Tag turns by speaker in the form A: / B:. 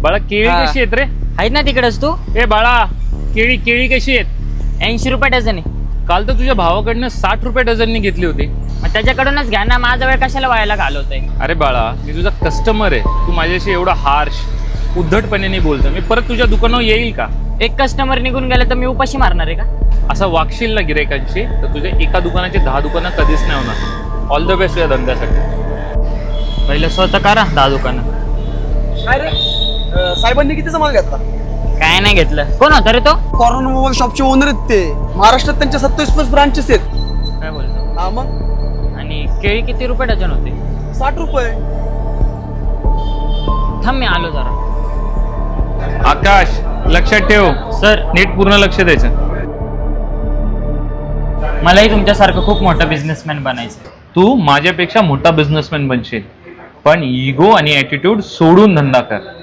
A: बाळा केळी
B: हा.
A: कशी आहेत रे?
B: आहेत ना तिकडेच तू.
A: ए बाळा, केळी केळी कशी आहेत?
B: 80 रुपये डझन आहे.
A: काल तर तुझ्या भावाकडनं 60 रुपये डझननी घेतली होती.
B: मग त्याच्याकडूनच घ्या ना, माझा वेळ कशाला व्हायला घालवतोय.
A: अरे बाळा, मी तुझा कस्टमर आहे. तू माझ्याशी एवढा हार्श उद्धटपणे बोलतो. मी परत तुझ्या दुकानावर येईल का?
B: एक कस्टमर निघून गेला तर मी उपाशी मारणार आहे का?
A: असं वागशील ना गिरायकांशी तर तुझ्या एका दुकानाची 10 दुकानं कधीच नाही होणार. ऑल द बेस्ट या धंद्यासाठी.
B: पहिलं स्वतः करा 10 दुकानं.
C: काय रे साहेबांनी कितीचा माल घेतला?
B: काय नाही घेतलं. कोण होता रे तो?
C: कॉर्नर मोबाईल शॉपचे ओनर आहेत ते. महाराष्ट्रात त्यांच्या 27+ ब्रांचेस आहेत.
B: काय बोलतो?
C: हा मग
B: आणि केळी किती रुपये डझन होते?
C: 60 रुपये.
B: थांब मी आलो जरा.
A: आकाश, लक्षात ठेव
B: सर,
A: नीट पूर्ण लक्ष द्यायचं.
B: मलाही तुमच्यासारखं खूप मोठा बिझनेसमॅन बनायचं.
A: तू माझ्यापेक्षा मोठा बिझनेसमॅन बनशील, पण इगो आणि ॲटिट्यूड सोडून धंदा कर.